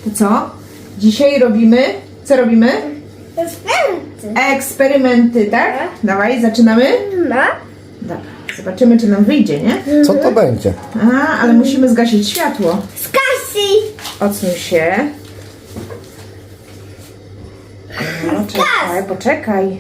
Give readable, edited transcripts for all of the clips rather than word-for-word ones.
To co? Dzisiaj robimy... Co robimy? Eksperymenty. Eksperymenty, tak? Dawaj, zaczynamy? No. Dobra, zobaczymy, czy nam wyjdzie, nie? Co to będzie? A, ale musimy zgasić światło. Skasi. Odsuń się. No, czekaj, poczekaj.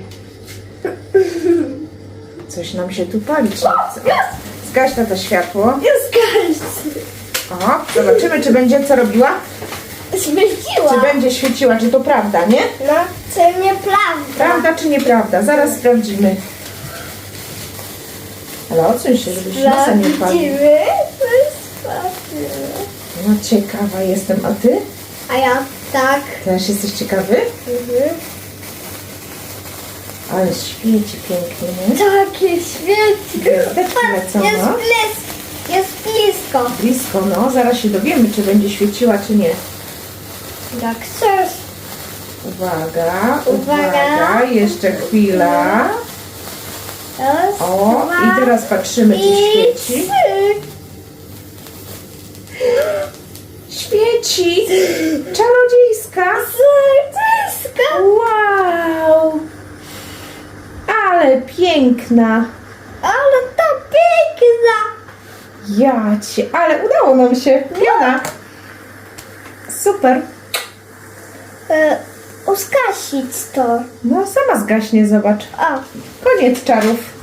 Coś nam się tu palić nie chce. Zgaś to światło. Skasi. O, zobaczymy, czy będzie co robiła. Świeciła. Czy będzie świeciła, czy to prawda, nie? No, to nieprawda. Prawda czy nieprawda? Zaraz sprawdzimy. Ale odsuń się, żebyś nosa nie palił. Sprawdzimy. Sprawdzimy. No ciekawa jestem, a ty? A ja tak. Też jesteś ciekawy? Ale świeci pięknie, nie? Takie świeci. Gwiazdeczki lecą, Jest no. blisko. Jest blisko. Blisko, no. Zaraz się dowiemy, czy będzie świeciła, czy nie. Jak chcesz. Uwaga, Uwaga. uwaga. Jeszcze chwila. Raz, O, dwa, i teraz patrzymy, czy i świeci. 3. Świeci! Czarodziejska! Serduszko. Wow! Ale piękna! Ale to piękna. Ja cię, ale udało nam się! Piona! Super! Uskasić to. No sama zgaśnie, zobacz. O. Koniec czarów.